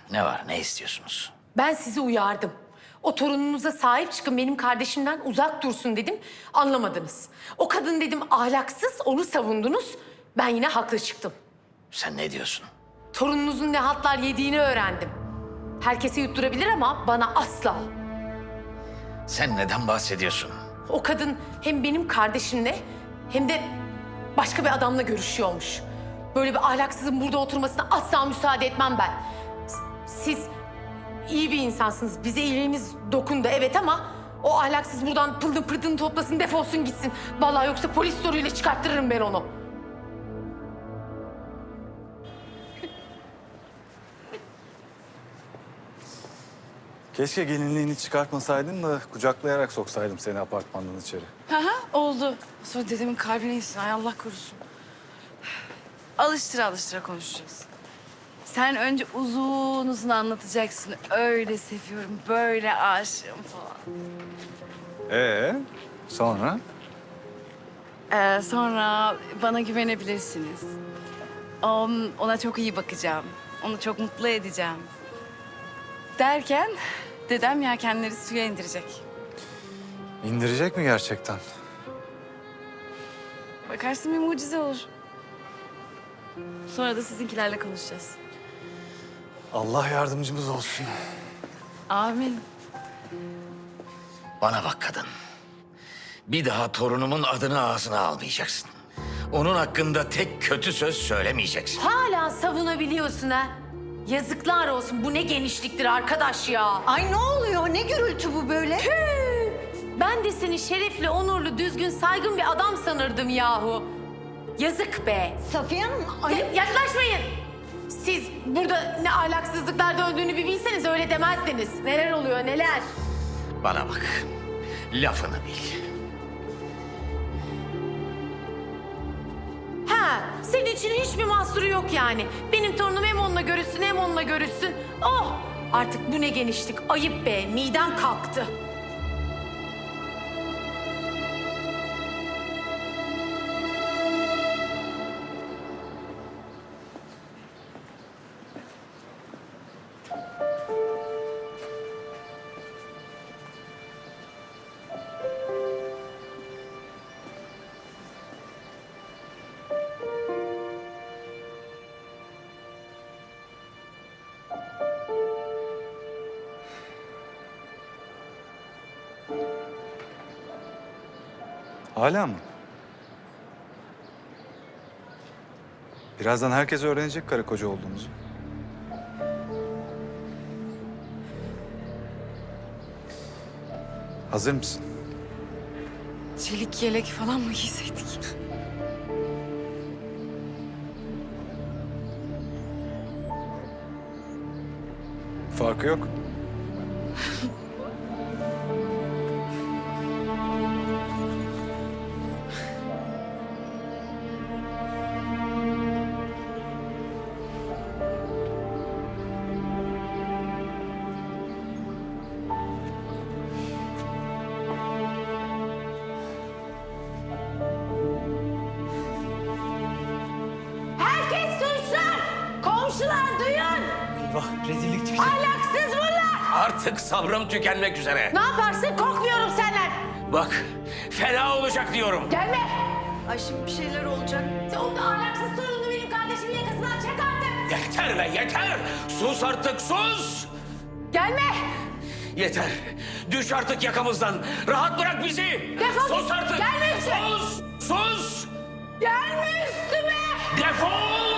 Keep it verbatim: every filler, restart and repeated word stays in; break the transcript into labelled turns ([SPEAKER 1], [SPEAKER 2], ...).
[SPEAKER 1] Ne var, ne istiyorsunuz?
[SPEAKER 2] Ben sizi uyardım. O torununuza sahip çıkın, benim kardeşimden uzak dursun dedim. Anlamadınız. O kadın dedim ahlaksız, onu savundunuz. Ben yine haklı çıktım.
[SPEAKER 1] Sen ne diyorsun?
[SPEAKER 2] Torununuzun ne hatlar yediğini öğrendim. Herkese yutturabilir ama bana asla.
[SPEAKER 1] Sen neden bahsediyorsun?
[SPEAKER 2] O kadın hem benim kardeşimle hem de başka bir adamla görüşüyormuş. Böyle bir ahlaksızın burada oturmasına asla müsaade etmem ben. S- Siz iyi bir insansınız. Bize iyiliğiniz dokundu evet ama o ahlaksız buradan pılını pırtını toplasın, defolsun gitsin. Vallahi yoksa polis soruyla çıkarttırırım ben onu.
[SPEAKER 3] Keşke gelinliğini çıkartmasaydın da kucaklayarak soksaydım seni apartmandan içeri.
[SPEAKER 4] Hı hı, oldu. Sonra dedemin kalbine insin. Ay Allah korusun. Alıştıra alıştıra konuşacağız. Sen önce uzun uzun anlatacaksın. Öyle seviyorum, böyle aşığım falan.
[SPEAKER 3] Ee, sonra?
[SPEAKER 4] Ee, sonra bana güvenebilirsiniz. On, ona çok iyi bakacağım. Onu çok mutlu edeceğim. Derken dedem yelkenleri suya indirecek.
[SPEAKER 3] İndirecek mi gerçekten?
[SPEAKER 4] Bakarsın bir mucize olur. Sonra da sizinkilerle konuşacağız.
[SPEAKER 3] Allah yardımcımız olsun.
[SPEAKER 4] Amin.
[SPEAKER 1] Bana bak kadın. Bir daha torunumun adını ağzına almayacaksın. Onun hakkında tek kötü söz söylemeyeceksin.
[SPEAKER 2] Hala savunabiliyorsun ha. Yazıklar olsun. Bu ne genişliktir arkadaş ya.
[SPEAKER 5] Ay ne oluyor? Ne gürültü bu böyle?
[SPEAKER 2] Tüh! Ben de seni şerefli, onurlu, düzgün, saygın bir adam sanırdım yahu. Yazık be.
[SPEAKER 5] Safiye Hanım,
[SPEAKER 2] Ya-
[SPEAKER 5] ayıp.
[SPEAKER 2] yaklaşmayın. Siz burada ne ahlaksızlıklar döndüğünü bir bilseniz öyle demezdiniz. Neler oluyor neler?
[SPEAKER 1] Bana bak. Lafını bil.
[SPEAKER 2] Ha, senin için hiçbir mahsuru yok yani. Benim torunum hem onunla görüşsün hem onunla görüşsün. Oh! Artık bu ne genişlik. Ayıp be. Midem kalktı.
[SPEAKER 3] Hala mı? Birazdan herkes öğrenecek karı koca olduğumuzu. Hazır mısın?
[SPEAKER 4] Çelik yelek falan mı giyseydik?
[SPEAKER 3] Farkı yok.
[SPEAKER 2] Herkes duysun! Komşular duyun!
[SPEAKER 6] Eyvah rezillik çıkacak.
[SPEAKER 2] Ahlaksız bunlar!
[SPEAKER 1] Artık sabrım tükenmek üzere.
[SPEAKER 2] Ne yaparsın? Korkmuyorum senden.
[SPEAKER 1] Bak, fena olacak diyorum.
[SPEAKER 2] Gelme!
[SPEAKER 5] Ay şimdi bir şeyler olacak.
[SPEAKER 2] O da ahlaksız torununu benim kardeşimin yakasından çek artık!
[SPEAKER 1] Yeter be, yeter! Sus artık, sus!
[SPEAKER 2] Gelme!
[SPEAKER 1] Yeter! Düş artık yakamızdan! Rahat bırak bizi!
[SPEAKER 2] Defol
[SPEAKER 1] Sus
[SPEAKER 2] git!
[SPEAKER 1] artık!
[SPEAKER 2] Gelme üstüme!
[SPEAKER 1] Sus! Sus!
[SPEAKER 2] Gelme üstüme!
[SPEAKER 1] Defol!